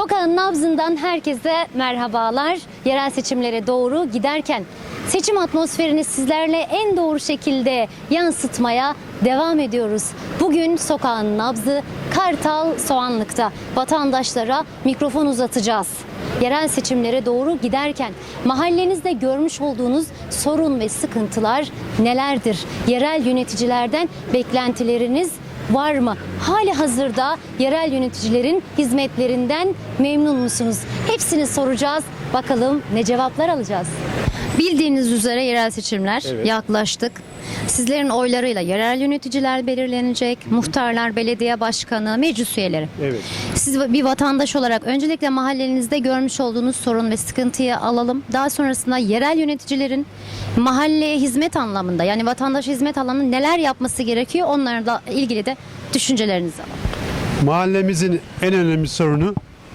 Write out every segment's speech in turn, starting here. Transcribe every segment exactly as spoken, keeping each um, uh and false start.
Sokağın nabzından herkese merhabalar. Yerel seçimlere doğru giderken seçim atmosferini sizlerle en doğru şekilde yansıtmaya devam ediyoruz. Bugün sokağın nabzı Kartal Soğanlık'ta. Vatandaşlara mikrofon uzatacağız. Yerel seçimlere doğru giderken mahallenizde görmüş olduğunuz sorun ve sıkıntılar nelerdir? Yerel yöneticilerden beklentileriniz var mı? Hali hazırda yerel yöneticilerin hizmetlerinden memnun musunuz? Hepsini soracağız. Bakalım ne cevaplar alacağız? Bildiğiniz üzere yerel seçimler Evet. yaklaştık. Sizlerin oylarıyla yerel yöneticiler belirlenecek. Muhtarlar, belediye başkanı, meclis üyeleri. Evet. Siz bir vatandaş olarak öncelikle mahallenizde görmüş olduğunuz sorun ve sıkıntıyı alalım. Daha sonrasında yerel yöneticilerin mahalleye hizmet anlamında, yani vatandaşa hizmet anlamında neler yapması gerekiyor, onlarla ilgili de düşüncelerinizi alalım. Mahallemizin en önemli sorunu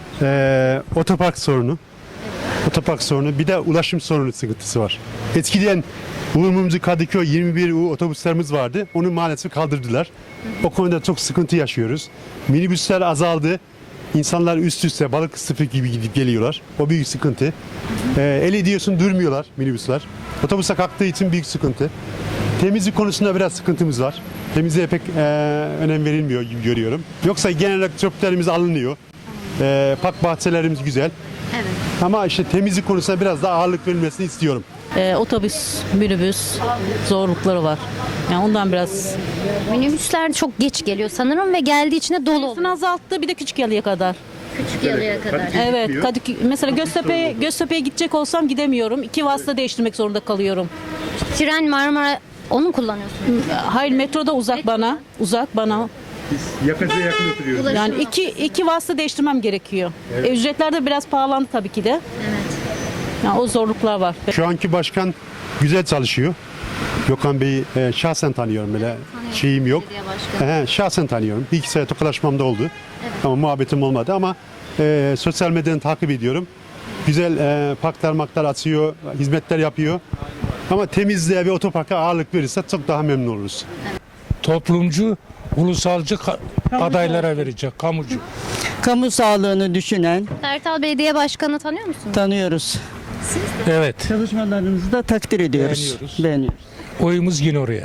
eee otopark sorunu. Otopark sorunu. Bir de ulaşım sorunu sıkıntısı var. Eskiden Uğur Mumcu Kadıköy yirmi bir U otobüslerimiz vardı. Onu maalesef kaldırdılar. O konuda çok sıkıntı yaşıyoruz. Minibüsler azaldı. İnsanlar üst üste balık sıfır gibi gidip geliyorlar. O büyük sıkıntı. Ee, el ediyorsun durmuyorlar minibüsler. Otobüse kalktığı için büyük sıkıntı. Temizlik konusunda biraz sıkıntımız var. Temizliğe pek e, önem verilmiyor gibi görüyorum. Yoksa genel olarak çöplerimiz alınıyor. E, park bahçelerimiz güzel. Evet. Ama işte temizlik konusunda biraz daha ağırlık verilmesini istiyorum. Ee, otobüs, minibüs zorlukları var. Yani ondan biraz Minibüsler çok geç geliyor sanırım ve geldiği için de dolu sayısını oluyor. azalttı, bir de küçük yalıya kadar. Küçük yalıya kadar. Evet, Gitmiyor. Kadıköy, mesela Göztepe'ye Göztepe'ye gidecek olsam gidemiyorum. İki vasıta değiştirmek zorunda kalıyorum. Tren, Marmara, onu kullanıyorsunuz. Hayır, metroda uzak bana, uzak bana. Biz yakıca yakın oturuyoruz. Yani iki iki vasıta değiştirmem gerekiyor. E, ücretler de biraz pahalandı tabii ki de. Evet. Yani o zorluklar var. Şu anki başkan güzel çalışıyor. Gökhan Bey'i e, şahsen tanıyorum böyle şeyim yok. Belediye başkanı. He, şahsen tanıyorum. Bir iki sene tokalaşmam da oldu. Ama muhabbetim olmadı ama e, sosyal medyadan takip ediyorum. Güzel e, parklar maklar açıyor, hizmetler yapıyor. Ama temizliğe ve otoparka ağırlık verirse çok daha memnun oluruz. Toplumcu, ulusalcı ka- adaylara verecek, kamucu. Kamu sağlığını düşünen Kartal Belediye Başkanı tanıyor musunuz? tanıyoruz. Evet, Çalışmalarınızı da takdir ediyoruz. Beğeniyoruz. Beğeniyoruz. oyumuz yine oraya.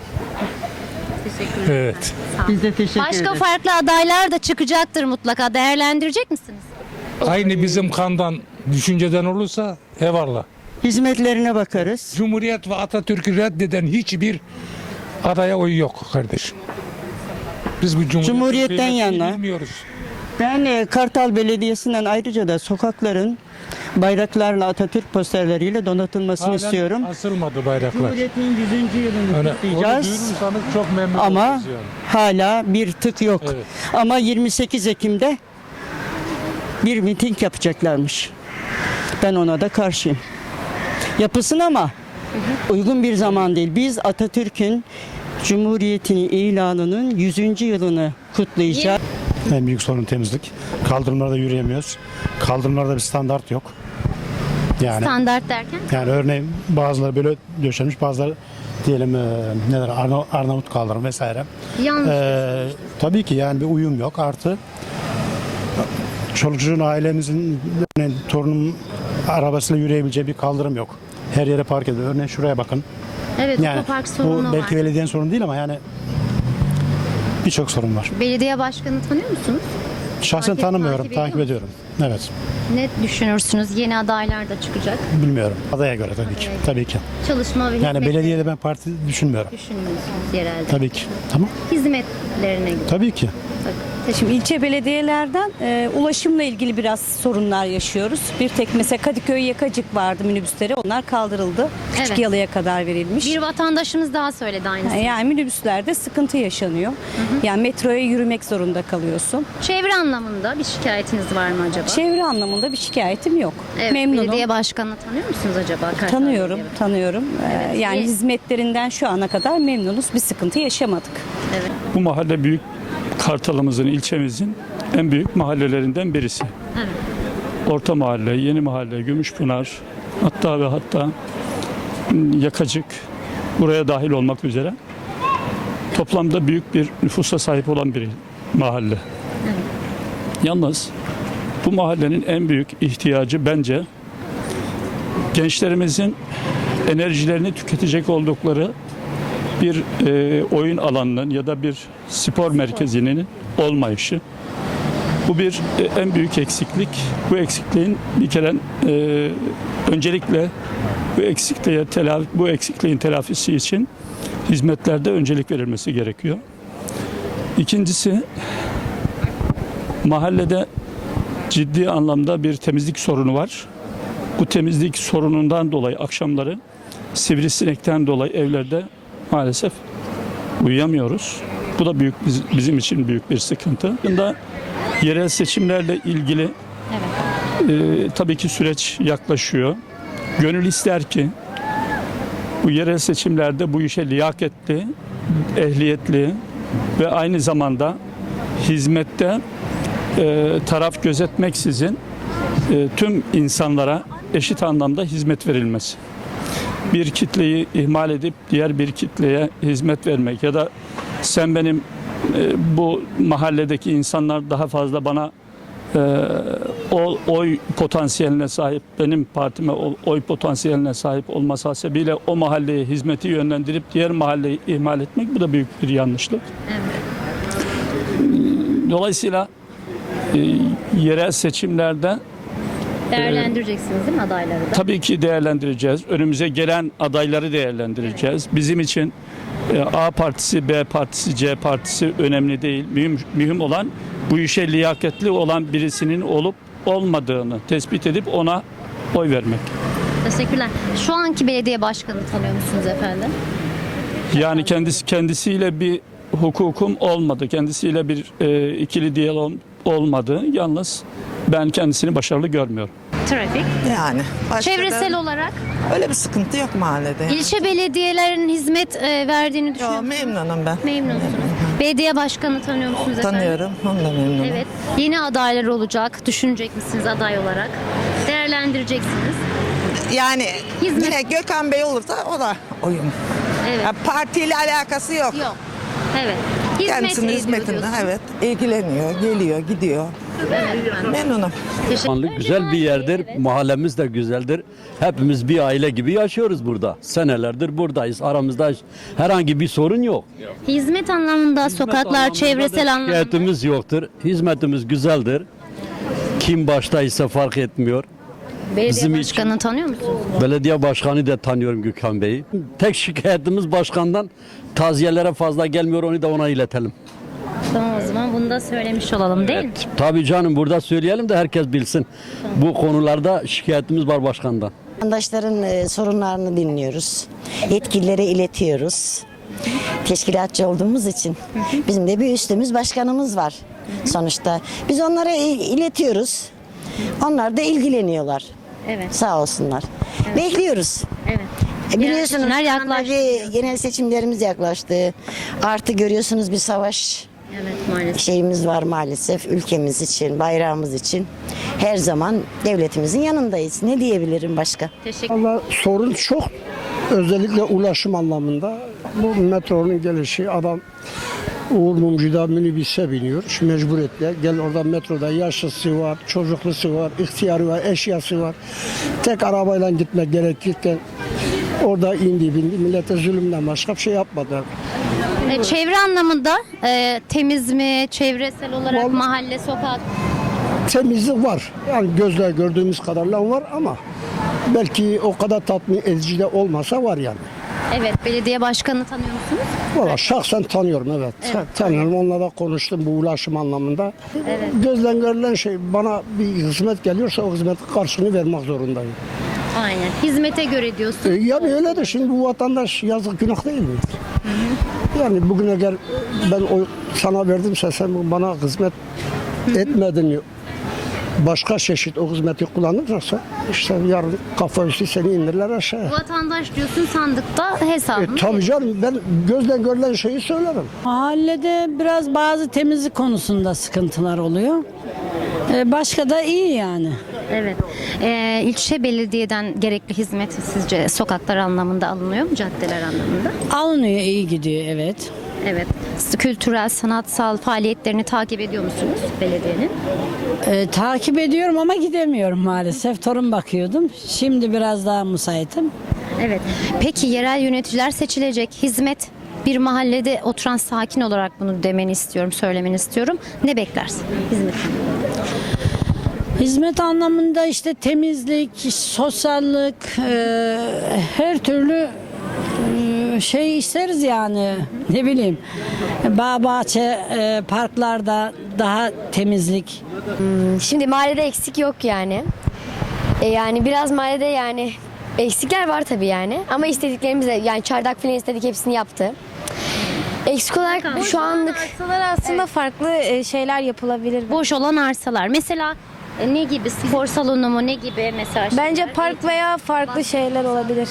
Evet. Biz de teşekkür Başka ederiz. farklı adaylar da çıkacaktır mutlaka. Değerlendirecek misiniz? Aynı bizim kandan, düşünceden olursa eyvallah. Hizmetlerine bakarız. Cumhuriyet ve Atatürk'ü reddeden hiçbir adaya oy yok kardeşim. Biz bu Cumhuriyet Cumhuriyetten yana. bilmiyoruz. Ben e, Kartal Belediyesi'nden ayrıca da sokakların bayraklarla, Atatürk posterleriyle donatılmasını Halen istiyorum. asılmadı bayraklar. Cumhuriyet'in yüzüncü yılını Öyle, onu kutlayacağız. duyurursanız çok memnun Ama oluruz yani. hala bir tık yok. Evet. Ama yirmi sekiz Ekim'de bir miting yapacaklarmış. Ben ona da karşıyım. Yapılsın ama uygun bir zaman değil. Biz Atatürk'ün Cumhuriyetini ilanının yüzüncü yılını kutlayacağız. En büyük sorun temizlik. Kaldırımlarda yürüyemiyoruz. Kaldırımlarda bir standart yok. Yani Standart derken? yani örneğin bazıları böyle döşenmiş, bazıları diyelim e, neler Arna- Arnavut kaldırım vesaire. Yanlış. E, tabii ki yani bir uyum yok. Artı çoluk çocuğun ailemizin yani torunum arabasıyla yürüyebileceği bir kaldırım yok. Her yere park ediyor. Örneğin şuraya bakın. Evet, Yani otopark sorunu bu belki var. belediyenin sorunu değil ama yani birçok sorun var. Belediye başkanı tanıyor musunuz? Şahsen Takip- tanımıyorum, takip takip, ediyor ediyorum. Evet. Ne düşünürsünüz? Yeni adaylar da çıkacak. Bilmiyorum. Adaya göre tabii ki. Tabii ki. Çalışma ve Yani hizmetleri belediyede ben parti düşünmüyorum. düşünüyorsunuz yerelde. Tabii ki. Tamam. Hizmetlerine göre. Tabii ki. Şimdi ilçe belediyelerden e, ulaşımla ilgili biraz sorunlar yaşıyoruz. Bir tek mesela Kadıköy Yakacık vardı minibüsleri. Onlar kaldırıldı. Küçük Evet. yalıya kadar verilmiş. Bir vatandaşımız daha söyledi aynısını. Yani minibüslerde sıkıntı yaşanıyor. Yani metroya yürümek zorunda kalıyorsun. Çevre anlamında bir şikayetiniz var mı acaba? Çevre anlamında bir şikayetim yok. Evet, Memnunum. belediye başkanını tanıyor musunuz acaba? Kartal Tanıyorum, Belediye tanıyorum. Ee, Evet, yani iyi. hizmetlerinden şu ana kadar memnunuz. Bir sıkıntı yaşamadık. Bu mahalle büyük Kartalımızın, ilçemizin en büyük mahallelerinden birisi. Evet. Orta Mahalle, Yeni Mahalle, Gümüşpınar, hatta ve hatta Yakacık buraya dahil olmak üzere toplamda büyük bir nüfusa sahip olan bir mahalle. Yalnız bu mahallenin en büyük ihtiyacı bence gençlerimizin enerjilerini tüketecek oldukları bir e, oyun alanının ya da bir spor merkezinin olmayışı. Bu bir e, en büyük eksiklik. Bu eksikliğin bir kere e, öncelikle bu eksikliğe telafi, bu eksikliğin telafisi için hizmetlerde öncelik verilmesi gerekiyor. İkincisi, mahallede ciddi anlamda bir temizlik sorunu var. Bu temizlik sorunundan dolayı akşamları sivrisinekten dolayı evlerde maalesef uyuyamıyoruz. Bu da büyük bizim için büyük bir sıkıntı. Bunda yerel seçimlerle ilgili e, tabii ki süreç yaklaşıyor. Gönül ister ki bu yerel seçimlerde bu işe liyaketli, ehliyetli ve aynı zamanda hizmette e, taraf gözetmeksizin e, tüm insanlara eşit anlamda hizmet verilmesi. Bir kitleyi ihmal edip diğer bir kitleye hizmet vermek ya da sen benim e, bu mahalledeki insanlar daha fazla bana e, o, oy potansiyeline sahip, benim partime o, oy potansiyeline sahip olması hasebiyle o mahalleye hizmeti yönlendirip diğer mahalleyi ihmal etmek, bu da büyük bir yanlışlık. Dolayısıyla e, yerel seçimlerde Değerlendireceksiniz değil mi adayları da? tabii ki değerlendireceğiz. Önümüze gelen adayları değerlendireceğiz. Bizim için e, A partisi, B partisi, C partisi önemli değil. Mühim, mühim olan bu işe liyakatli olan birisinin olup olmadığını tespit edip ona oy vermek. Teşekkürler. Şu anki belediye başkanını tanıyor musunuz efendim? Yani kendisi kendisiyle bir hukukum olmadı. Kendisiyle bir e, ikili diyalog olmadı. Yalnız ben kendisini başarılı görmüyorum. Trafik. Yani başka Çevresel da olarak öyle bir sıkıntı yok mahallede. ilçe belediyelerinin hizmet e, verdiğini düşünüyor Yo, musunuz? memnunum ben. Memnunsunuz. Belediye başkanını tanıyor musunuz efendim? Tanıyorum, onu da memnunum. Evet. Yeni adaylar olacak. Düşünecek misiniz aday olarak? Değerlendireceksiniz. Yani Hizmet- yine Gökhan Bey olursa o da oyun. Evet. Ya, partiyle alakası yok. Yok. Evet. Hizmet Kendisinin ediyor hizmetinde diyorsunuz. evet ilgileniyor, geliyor, gidiyor. Memnunum. Teşekkür- Güzel bir yerdir. Mahallemiz de güzeldir. Hepimiz bir aile gibi yaşıyoruz burada. Senelerdir buradayız. Aramızda herhangi bir sorun yok. Hizmet anlamında sokaklar, anlamında çevresel da anlamda. şikayetimiz yoktur. Hizmetimiz güzeldir. Kim baştaysa fark etmiyor. Belediye bizim başkanını tanıyor musunuz? Belediye başkanı da tanıyorum Gökhan Bey'i. Tek şikayetimiz başkandan taziyelere fazla gelmiyor. Onu da ona iletelim. Tamam, o zaman bunu da söylemiş olalım değil mi? Tabii canım, burada söyleyelim de herkes bilsin. Bu konularda şikayetimiz var başkandan. Vatandaşların e, sorunlarını dinliyoruz. Yetkililere iletiyoruz. Teşkilatçı olduğumuz için bizim de bir üstümüz başkanımız var sonuçta. Biz onlara il- iletiyoruz. Onlar da ilgileniyorlar. Evet. Sağ olsunlar. Bekliyoruz. Evet. E, biliyorsunuz seçimler şu anda yaklaştı. bir genel seçimlerimiz yaklaştı. Artı görüyorsunuz bir savaş Evet, maalesef. şeyimiz var maalesef ülkemiz için, bayrağımız için. Her zaman devletimizin yanındayız. Ne diyebilirim başka? Teşekkür Valla sorun çok. Özellikle ulaşım anlamında. Bu metronun gelişi adam Uğur Mumcu'da minibüse biniyor. Şu mecburiyetle. Gel orada metroda yaşlısı var, çocuklusu var, ihtiyarı var, eşyası var. Tek arabayla gitmek gerekirken orada indi bindi. Millete zulümden başka bir şey yapmadı. E, çevre anlamında e, temiz mi, çevresel olarak Vallahi- mahalle, sokak? Temizlik var. Yani gözle gördüğümüz kadarıyla var ama belki o kadar tatmin edici de olmasa var yani. Evet, belediye başkanını tanıyor musunuz? Valla şahsen tanıyorum evet. Tanıyorum, onunla da konuştum bu ulaşım anlamında. Gözden görülen şey, bana bir hizmet geliyorsa o hizmetin karşılığını vermek zorundayım. Aynen. Hizmete göre E, diyorsun. yani öyle de şimdi bu vatandaş yazık günah değil mi? Yani bugüne gel ben o sana verdimse sen bana hizmet etmedin. Başka çeşit o hizmeti kullanırsa işte yarın kafa üstü seni indirirler aşağıya. Vatandaş diyorsun sandıkta E, hesabını. tabii canım ben gözden görülen şeyi söylerim. Mahallede biraz bazı temizlik konusunda sıkıntılar oluyor. Ee, Başka da iyi yani. Evet. E, ilçe belediyeden gerekli hizmet sizce sokaklar anlamında alınıyor mu, caddeler anlamında? Alınıyor, iyi gidiyor evet. Evet. Kültürel, sanatsal faaliyetlerini takip ediyor musunuz belediyenin? Ee, takip ediyorum ama gidemiyorum maalesef. Torun bakıyordum. Şimdi biraz daha müsaitim. Evet. Peki yerel yöneticiler seçilecek. Hizmet bir mahallede oturan sakin olarak bunu demeni istiyorum, söylemeni istiyorum. Ne beklersin hizmet? Hizmet anlamında işte temizlik, sosyallik, e, her türlü e, şey isteriz yani. Ne bileyim. Bağ bahçe, e, parklarda daha temizlik. Şimdi mahallede eksik yok yani. E yani biraz mahallede yani eksikler var tabii yani. Ama istediklerimiz de yani çardak falan istedik hepsini yaptı. Eksik olarak şu anlık Arsalar aslında farklı e, şeyler yapılabilir. Boş olan arsalar. Mesela e, ne gibi? Spor salonu mu? Ne gibi mesela? Bence şeyler? park veya farklı şeyler olabilir.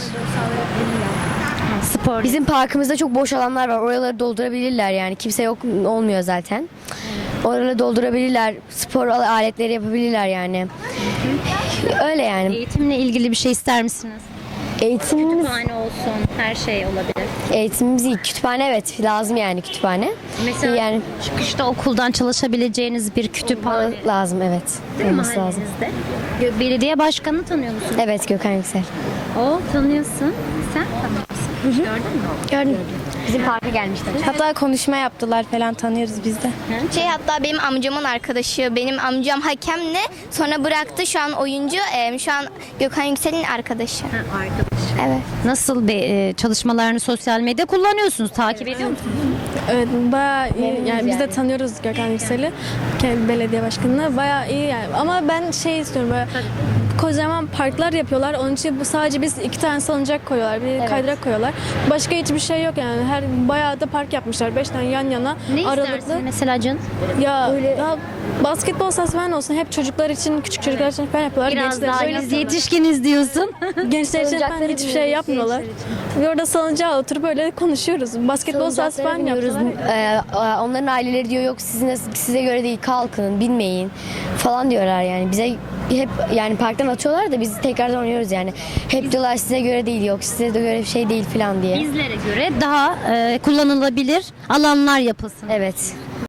Spor. bizim parkımızda çok boş alanlar var. Oraları doldurabilirler yani. Kimse yok olmuyor zaten. Oraları doldurabilirler. Spor aletleri yapabilirler yani. Öyle yani. Eğitimle ilgili bir şey ister misiniz? Eğitimimiz, Kütüphane olsun, her şey olabilir. eğitimimiz iyi. Kütüphane evet lazım yani kütüphane. Mesela Yani çıkışta okuldan çalışabileceğiniz bir kütüphane lazım evet. Olması lazım. mahallenizde. Gö- Belediye başkanını tanıyor musun? Evet Gökhan Yüksel. O tanıyorsun. Sen tanıyorsun. Gördün mü? Gördüm. Bizim parka gelmişler. Hatta konuşma yaptılar falan, tanıyoruz biz de. Şey, hatta benim amcamın arkadaşı, benim amcam hakemle sonra bıraktı, şu an oyuncu, e, şu an Gökhan Yüksel'in arkadaşı. Ha, arkadaş. Evet. Nasıl bir e, çalışmalarını sosyal medya kullanıyorsunuz? Takip ediyor musunuz? Evet, bayağı iyi. Memnunuz Yani biz de yani. tanıyoruz Gökhan Yüksel'i. Kendi belediye başkanını. Bayağı iyi yani. Ama ben şey istiyorum, böyle kocaman parklar yapıyorlar. Onun için bu sadece biz iki tane salıncak koyuyorlar. Bir kaydırak koyuyorlar. Başka hiçbir şey yok yani. Her bayağı da park yapmışlar. Beş tane yan yana. Ne aralıklı. istersin mesela Can? Ya, ya basketbol sahası falan olsun. Hep çocuklar için, küçük çocuklar için falan yapıyorlar. Biraz Gençler daha için- biz yetişkiniz diyorsun. Gençler için falan hiçbir şey yapmıyorlar. Ve orada salıncağa oturup böyle konuşuyoruz. Basketbol sahası falan Bilmiyoruz. yapıyorlar. onların aileleri diyor yok size, size göre değil kalkın bilmeyin falan diyorlar yani. Bize hep yani parktan atıyorlar da biz tekrardan oynuyoruz yani. Hep diyorlar size göre değil yok size de göre bir şey değil falan diye. Bizlere göre daha e, kullanılabilir alanlar yapılsın. Evet.